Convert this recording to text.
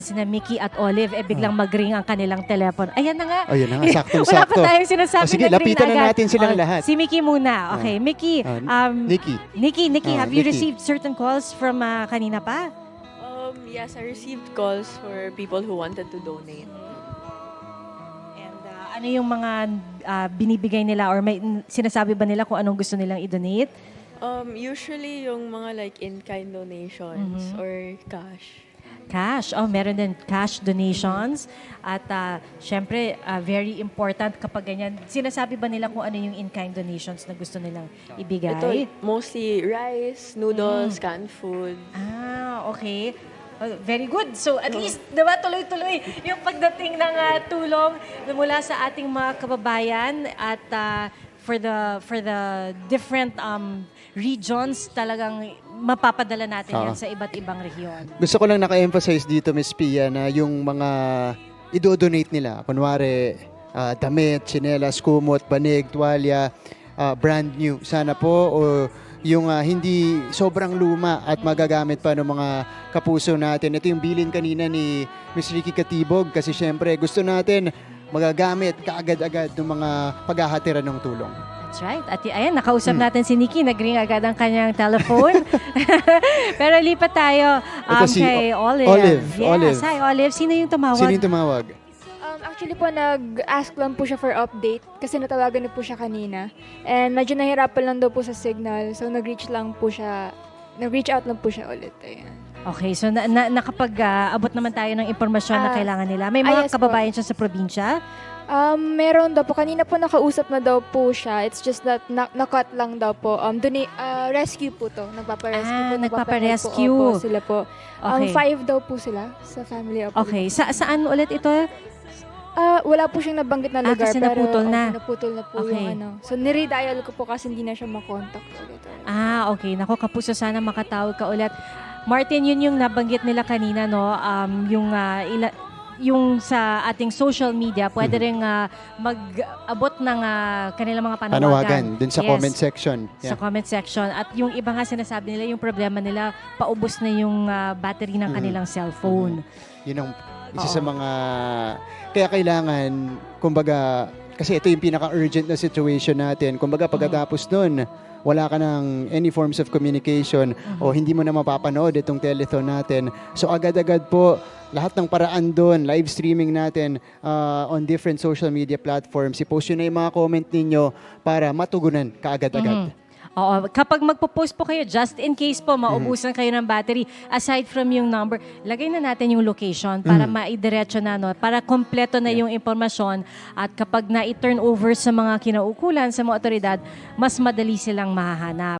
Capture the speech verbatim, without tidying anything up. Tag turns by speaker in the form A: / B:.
A: Sina Mickey at Olive, eh biglang mag-ring ang kanilang telepono. Ayan na nga.
B: Ayun na nga, saktong-sakto.
A: Wala pa tayong sinasabi.
B: O, sige,
A: nag-ring
B: lapitan na
A: agad.
B: natin silang
A: Oh,
B: lahat.
A: Si Mickey muna. Okay, Mickey.
B: Ah,
A: Um,
B: Nikki.
A: Nikki, Nikki,
B: Ah,
A: have you
B: Nikki.
A: received certain calls from uh, kanina pa?
C: Um, yes, I received calls for people who wanted to donate.
A: And uh, ano yung mga uh, binibigay nila or may sinasabi ba nila kung anong gusto nilang i-donate?
C: Um, usually yung mga like in-kind donations or cash.
A: Cash. Oh, meron din cash donations. At uh, syempre, uh, very important kapag ganyan. Sinasabi ba nila kung ano yung in-kind donations na gusto nilang ibigay?
C: Ito, mostly rice, noodles, canned food.
A: Ah, okay. Oh, very good. So at least, di ba, tuloy-tuloy yung pagdating ng uh, tulong mula sa ating mga kababayan at uh, for the for the different um, regions, talagang mapapadala natin yan
B: Oo.
A: sa iba't ibang rehiyon.
B: Gusto ko lang naka-emphasize dito, Miss Pia, na yung mga i-donate nila, kunwari, ah, damit, tsinelas, kumot, banig, tuwalya, ah, brand new. Sana po, o yung ah, hindi sobrang luma at magagamit pa ng mga kapuso natin. Ito yung bilin kanina ni Miss Ricky Katibog kasi syempre gusto natin magagamit kaagad-agad ng mga paghahatiran ng tulong.
A: That's right. At y- ayan, nakausap natin si Nikki. Nag-ring agad ang kanyang telephone. Pero lipat tayo um,
B: Ito si
A: kay
B: O-
A: Olive.
B: Olive,
A: Yes,
B: Olive.
A: hi Olive. Sino yung tumawag?
B: Sino yung tumawag?
D: Um, actually po, nag-ask lang po siya for update kasi natawagan na po siya kanina. And medyo nahirapan lang daw po sa signal. So, nag-reach lang po siya, nag-reach out lang po siya ulit. Ayan.
A: Okay, so na, na, nakapag-abot naman tayo ng impormasyon na
D: Ah,
A: kailangan nila. May
D: ah,
A: mga
D: yes po.
A: kababayan siya sa probinsya?
D: Um, meron daw po. Kanina po nakausap na daw po siya. It's just that na- na-cut lang daw po. Um, duni- uh, rescue po to. Nagpapa-rescue
A: Ah,
D: po.
A: nagpapa-rescue.
D: Nagpapa-help po. Opo, sila po. Um,
A: Okay.
D: five daw po sila sa family. Opo.
A: Okay, sa, saan ulit ito?
D: Ah, wala po siyang nabanggit na
A: Ah,
D: lugar.
A: kasi naputol
D: pero,
A: na.
D: opo, naputol na po
A: Okay.
D: yung ano. So, nire-dial ko po kasi hindi na siya makontak ulit.
A: Ah, okay. Nako, kapuso, sana makatawag ka ulit. Martin, yun yung nabanggit nila kanina, no? Um, yung, ah, ila- yung sa ating social media, pwede rin ah, mag-abot ng ah, kanilang mga panawagan.
B: Panawagan dun sa
A: Yes,
B: comment section.
A: Sa
B: Yeah.
A: comment section. At yung iba nga sinasabi nila, yung problema nila, paubos na yung ah, battery ng
B: Mhm.
A: kanilang cellphone.
B: Yun ang isa
A: Oo.
B: sa mga... Kaya kailangan, kumbaga, kasi ito yung pinaka-urgent na situation natin. Kumbaga, pagkatapos nun, wala ka ng any forms of communication o hindi mo na mapapanood itong telethon natin. So agad-agad po, lahat ng paraan doon, live streaming natin uh, on different social media platforms. I-post yun na yung mga comment ninyo para matugunan kaagad-agad.
A: Oo, kapag magpo-post po kayo, just in case po maubusan kayo ng battery, aside from yung number, lagay na natin yung location para maidiretso na, no? Para kompleto na yung impormasyon at kapag na-turn over sa mga kinaukulan, sa mga otoridad, mas madali silang mahahanap.